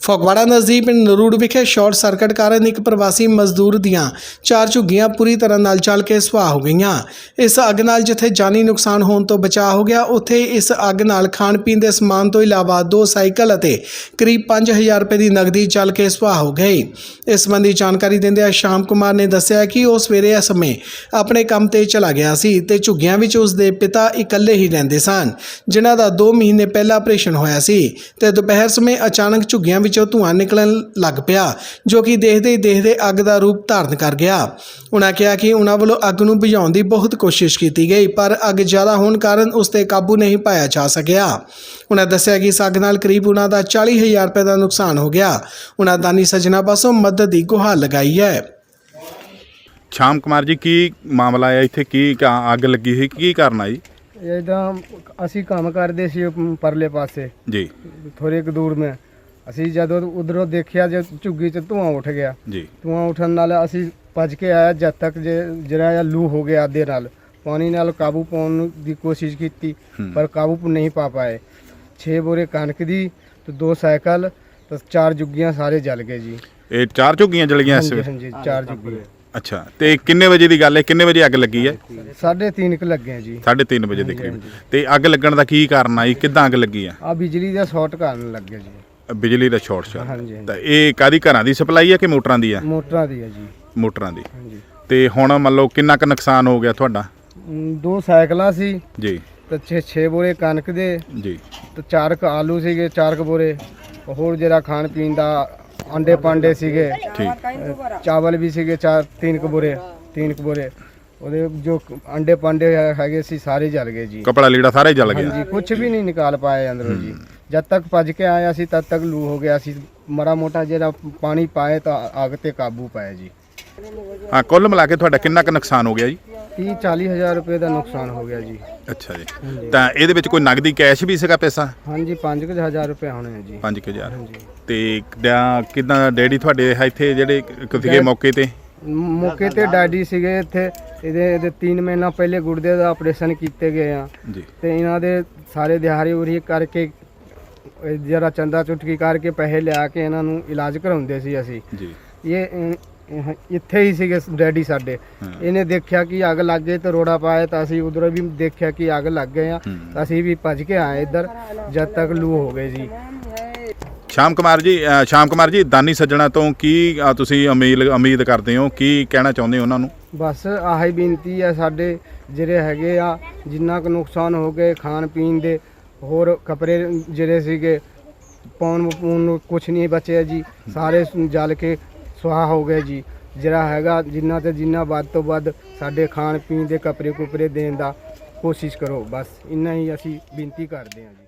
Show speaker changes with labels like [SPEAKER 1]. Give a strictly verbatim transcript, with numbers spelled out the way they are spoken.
[SPEAKER 1] ਫਗਵਾੜਾ ਨਜ਼ਦੀਕ ਪਿੰਡ ਨਰੂੜ ਵਿਖੇ ਸ਼ਾਰਟ ਸਰਕਟ ਕਾਰਨ ਇੱਕ ਪ੍ਰਵਾਸੀ ਮਜ਼ਦੂਰ ਦੀਆਂ ਚਾਰ ਝੁੱਗੀਆਂ ਪੂਰੀ ਤਰ੍ਹਾਂ ਨਾਲ ਜਲ ਕੇ ਸੁਆਹ ਹੋ ਗਈਆਂ। ਇਸ ਅੱਗ ਨਾਲ ਜਿੱਥੇ ਜਾਨੀ ਨੁਕਸਾਨ ਹੋਣ ਤੋਂ ਬਚਾਅ ਹੋ ਗਿਆ, ਉੱਥੇ ਇਸ ਅੱਗ ਨਾਲ ਖਾਣ ਪੀਣ ਦੇ ਸਮਾਨ ਤੋਂ ਇਲਾਵਾ ਦੋ ਸਾਈਕਲ ਅਤੇ ਕਰੀਬ ਪੰਜ ਹਜ਼ਾਰ ਰੁਪਏ ਦੀ ਨਕਦੀ ਜਲ ਕੇ ਸੁਆਹ ਹੋ ਗਈ। ਇਸ ਸੰਬੰਧੀ ਜਾਣਕਾਰੀ ਦਿੰਦਿਆਂ ਸ਼ਾਮ ਕੁਮਾਰ ਨੇ ਦੱਸਿਆ ਕਿ ਉਹ ਸਵੇਰੇ ਇਸ ਸਮੇਂ ਆਪਣੇ ਕੰਮ ਤੇ ਚਲਾ ਗਿਆ ਸੀ ਤੇ ਝੁੱਗੀਆਂ ਵਿੱਚ ਉਸ ਦੇ ਪਿਤਾ ਇਕੱਲੇ ਹੀ ਰਹਿੰਦੇ ਸਨ, ਜਿਨ੍ਹਾਂ ਦਾ ਦੋ ਮਹੀਨੇ ਪਹਿਲਾਂ ਆਪਰੇਸ਼ਨ ਹੋਇਆ ਸੀ ਤੇ ਦੁਪਹਿਰ ਸਮੇਂ ਅਚਾਨਕ ਝੁੱਗੀਆਂ ਵਿੱਚੋਂ ਧੂੰਆਂ ਨਿਕਲਣ ਲੱਗ ਪਿਆ, ਜੋ ਕਿ ਦੇਖਦੇ ਹੀ ਦੇਖਦੇ ਅੱਗ ਦਾ ਰੂਪ ਧਾਰਨ ਕਰ ਗਿਆ। ਉਹਨਾਂ ਕਿਹਾ ਕਿ ਉਹਨਾਂ ਵੱਲੋਂ ਅੱਗ ਨੂੰ ਬੁਝਾਉਣ ਦੀ ਬਹੁਤ ਕੋਸ਼ਿਸ਼ ਕੀਤੀ ਗਈ, ਪਰ ਅੱਗ ਜ਼ਿਆਦਾ ਹੋਣ ਕਾਰਨ ਉਸ ਤੇ ਕਾਬੂ ਨਹੀਂ ਪਾਇਆ ਜਾ ਸਕਿਆ। ਉਹਨਾਂ ਦੱਸਿਆ ਕਿ ਇਸ ਅੱਗ ਨਾਲ ਕਰੀਬ ਉਹਨਾਂ ਦਾ ਚਾਲੀ ਹਜ਼ਾਰ ਰੁਪਏ ਦਾ ਨੁਕਸਾਨ ਹੋ ਗਿਆ। ਉਹਨਾਂ ਦਾਨੀ ਸੱਜਣਾ ਪਾਸੋਂ ਮਦਦ ਦੀ ਗੁਹਾਰ ਲਗਾਈ ਹੈ।
[SPEAKER 2] ਸ਼ਾਮ ਕੁਮਾਰ ਜੀ, ਕੀ ਮਾਮਲਾ ਹੈ ਇੱਥੇ? ਕੀ ਅੱਗ ਲੱਗੀ ਸੀ, ਕੀ ਕਾਰਨ ਆ ਜੀ?
[SPEAKER 3] ਇੱਦਾਂ ਅਸੀਂ ਕੰਮ ਕਰਦੇ ਸੀ ਪਰਲੇ ਪਾਸੇ
[SPEAKER 2] ਜੀ,
[SPEAKER 3] ਥੋੜੇ ਕੁ ਦੂਰ ਮੈਂ ਅਸੀਂ ਜਦੋਂ ਉਧਰੋਂ ਦੇਖਿਆ ਜੇ ਝੁੱਗੀ 'ਚ ਧੂੰਆਂ ਉੱਠ ਗਿਆ
[SPEAKER 2] ਜੀ।
[SPEAKER 3] ਧੂੰਆਂ ਉੱਠਣ ਨਾਲ ਅਸੀਂ ਭੱਜ ਕੇ ਆਇਆ, ਜਦ ਤੱਕ ਜੇ ਜਿਹੜਾ ਜਿਹਾ ਲੂ ਹੋ ਗਿਆ ਅੱਧੇ ਨਾਲ ਪਾਣੀ ਨਾਲ ਕਾਬੂ ਪਾਉਣ ਦੀ ਕੋਸ਼ਿਸ਼ ਕੀਤੀ, ਪਰ ਕਾਬੂ ਨਹੀਂ ਪਾ ਪਾਏ। ਛੇ ਬੋਰੇ ਕਣਕ ਦੀ ਤੇ ਦੋ ਸਾਈਕਲ ਤੇ ਚਾਰ ਝੁੱਗੀਆਂ ਸਾਰੇ ਜਲ ਗਏ ਜੀ।
[SPEAKER 2] ਇਹ ਚਾਰ ਝੁੱਗੀਆਂ ਜਲ ਗਈਆਂ ਇਸ ਵੇਲੇ?
[SPEAKER 3] ਹਾਂਜੀ, ਚਾਰ ਝੁੱਗੀਆਂ।
[SPEAKER 2] ਅੱਛਾ, ਤੇ ਕਿੰਨੇ ਵਜੇ ਦੀ ਗੱਲ ਹੈ? ਕਿੰਨੇ ਵਜੇ ਅੱਗ ਲੱਗੀ ਹੈ?
[SPEAKER 3] ਸਾਢੇ ਤਿੰਨ ਕੁ ਲੱਗੇ ਆ ਜੀ।
[SPEAKER 2] ਸਾਢੇ ਤਿੰਨ ਵਜੇ ਦੇ ਕਰੀਬ। ਤੇ ਅੱਗ ਲੱਗਣ ਦਾ ਕੀ ਕਾਰਨ ਆ ਜੀ? ਕਿੱਦਾਂ ਅੱਗ ਲੱਗੀ ਆ?
[SPEAKER 3] ਆ ਬਿਜਲੀ ਦਾ ਸ਼ਾਰਟ ਕਰਨ ਲੱਗੇ ਜੀ।
[SPEAKER 2] ਬਿਜਲੀ ਦਾ ਸ਼ਾਰਟ ਸਰਕਟ।
[SPEAKER 3] ਹਾਂਜੀ,
[SPEAKER 2] ਤਾਂ ਇਹ ਕਾਦੀ ਘਰਾਂ ਦੀ ਸਪਲਾਈ ਆ ਕਿ ਮੋਟਰਾਂ ਦੀ ਆ?
[SPEAKER 3] ਮੋਟਰਾਂ ਦੀ ਆ ਜੀ।
[SPEAKER 2] ਮੋਟਰਾਂ ਦੀ।
[SPEAKER 3] ਹਾਂਜੀ।
[SPEAKER 2] ਤੇ ਹੁਣ ਮੰਨ ਲਓ ਕਿੰਨਾ ਕੁ ਨੁਕਸਾਨ ਹੋ ਗਿਆ ਤੁਹਾਡਾ?
[SPEAKER 3] ਦੋ ਸਾਈਕਲਾਂ ਸੀ
[SPEAKER 2] ਜੀ
[SPEAKER 3] ਤੇ ਛੇ ਛੇ ਬੋਰੇ ਕਣਕ ਦੇ
[SPEAKER 2] ਜੀ
[SPEAKER 3] ਤੇ ਚਾਰ ਕ ਆਲੂ ਸੀਗੇ, ਚਾਰ ਕ ਬੋਰੇ ਹੋਰ ਜਿਹੜਾ ਖਾਣ ਪੀਣ ਦਾ ਅੰਡੇ ਪਾਂਡੇ ਸੀਗੇ,
[SPEAKER 2] ਠੀਕ।
[SPEAKER 3] ਚਾਵਲ ਵੀ ਸੀਗੇ ਚਾਰ ਤਿੰਨ ਕ ਬੋਰੇ ਤਿੰਨ ਕ ਬੋਰੇ ਉਹਦੇ ਜੋ ਅੰਡੇ ਪਾਂਡੇ ਹੈਗੇ ਸੀ ਸਾਰੇ ਜਲ ਗਏ ਜੀ।
[SPEAKER 2] ਕਪੜਾ ਲੀੜਾ ਸਾਰਾ ਹੀ ਜਲ ਗਿਆ?
[SPEAKER 3] ਹਾਂਜੀ, ਕੁਝ ਵੀ ਨਹੀਂ ਨਿਕਾਲ ਪਾਏ ਅੰਦਰੋਂ ਜੀ। ਜਦ ਤੱਕ ਭੱਜ ਕੇ ਆਇਆ ਸੀ ਤਦ ਤੱਕ ਲੂ ਹੋ ਗਿਆ ਸੀ। ਮੜਾ ਮੋਟਾ ਜਿਹੜਾ ਪਾਣੀ ਪਾਏ ਤਾਂ ਅੱਗ ਤੇ ਕਾਬੂ ਪਾਇਆ ਜੀ।
[SPEAKER 2] ਹਾਂ, ਕੁੱਲ ਮਿਲਾ ਕੇ ਤੁਹਾਡਾ ਕਿੰਨਾ ਕੁ ਨੁਕਸਾਨ ਹੋ ਗਿਆ ਜੀ?
[SPEAKER 3] ਤੀਹ ਚਾਲੀ ਹਜ਼ਾਰ ਰੁਪਏ ਦਾ ਨੁਕਸਾਨ ਹੋ ਗਿਆ ਜੀ।
[SPEAKER 2] ਅੱਛਾ ਜੀ। ਤਾਂ ਇਹਦੇ ਵਿੱਚ ਕੋਈ ਨਗਦੀ ਕੈਸ਼ ਵੀ ਸੀਗਾ ਪੈਸਾ?
[SPEAKER 3] ਹਾਂਜੀ, ਪੰਜ ਕੁ ਹਜ਼ਾਰ ਰੁਪਏ ਹੋਣੇ ਆ ਜੀ।
[SPEAKER 2] ਪੰਜ ਹਜ਼ਾਰ। ਤੇ ਕਿੱਦਾਂ ਡੈਡੀ ਤੁਹਾਡੇ ਇੱਥੇ ਜਿਹੜੇ ਸੀਗੇ ਮੌਕੇ ਤੇ?
[SPEAKER 3] ਮੌਕੇ ਤੇ ਡੈਡੀ ਸੀਗੇ ਇੱਥੇ। ਇਹਦੇ ਇਹਦੇ ਤਿੰਨ ਮਹੀਨਾ ਪਹਿਲੇ ਗੁਰਦੇ ਦਾ ਆਪਰੇਸ਼ਨ ਕੀਤੇ ਗਏ ਆ
[SPEAKER 2] ਜੀ। ਤੇ
[SPEAKER 3] ਇਹਨਾਂ ਦੇ ਸਾਰੇ ਦਿਹਾੜੀ ਉਰੀ ਕਰਕੇ ਜਰਾ ਚੰਦਾ ਚੁਟਕੀ ਕਰਕੇ ਪੈਸੇ ਲਿਆ ਕੇ ਇਹਨਾਂ ਨੂੰ ਇਲਾਜ ਕਰਾਉਂਦੇ ਸੀ ਅਸੀਂ
[SPEAKER 2] ਜੀ।
[SPEAKER 3] ਇਹ ਇੱਥੇ ਹੀ ਸੀਗੇ ਡੈਡੀ ਸਾਡੇ। ਇਹਨੇ ਦੇਖਿਆ ਕਿ ਅੱਗ ਲੱਗ ਗਈ ਤੇ ਰੋੜਾ ਪਾਇਆ ਤਾਂ ਅਸੀਂ ਉਧਰੋਂ ਵੀ ਦੇਖਿਆ ਕਿ ਅੱਗ ਲੱਗ ਗਏ ਆ ਤਾਂ ਅਸੀਂ ਵੀ ਭੱਜ ਕੇ ਆਏ ਇੱਧਰ, ਜਦ ਤੱਕ ਲੂ ਹੋ ਗਏ ਜੀ।
[SPEAKER 2] ਸ਼ਾਮ ਕੁਮਾਰ ਜੀ, ਸ਼ਾਮ ਕੁਮਾਰ ਜੀ, ਦਾਨੀ ਸੱਜਣਾ ਤੋਂ ਕੀ ਤੁਸੀਂ ਉਮੀਦ ਉਮੀਦ ਕਰਦੇ ਹੋ? ਕੀ ਕਹਿਣਾ ਚਾਹੁੰਦੇ ਹੋ ਉਹਨਾਂ ਨੂੰ? ਬਸ
[SPEAKER 3] ਆਹੀ ਬੇਨਤੀ ਹੈ, ਸਾਡੇ ਜਿਹੜੇ ਹੈਗੇ ਆ ਜਿੰਨਾ ਕੁ ਨੁਕਸਾਨ ਹੋ ਗਏ ਖਾਣ ਪੀਣ ਦੇ, ਹੋਰ ਕੱਪੜੇ ਜਿਹੜੇ ਸੀਗੇ ਪਾਉਣ ਪੂਣ ਨੂੰ ਕੁਛ ਨਹੀਂ ਬਚਿਆ ਜੀ, ਸਾਰੇ ਜਲ ਕੇ ਸੁਆਹ ਹੋ ਗਏ ਜੀ। ਜਿਹੜਾ ਹੈਗਾ ਜਿੰਨਾ ਤੇ ਜਿੰਨਾ ਵੱਧ ਤੋਂ ਵੱਧ ਸਾਡੇ ਖਾਣ ਪੀਣ ਦੇ ਕੱਪੜੇ ਕੁਪੜੇ ਦੇਣ ਦਾ ਕੋਸ਼ਿਸ਼ ਕਰੋ, ਬਸ ਇੰਨਾ ਹੀ ਅਸੀਂ ਬੇਨਤੀ ਕਰਦੇ ਹਾਂ ਜੀ।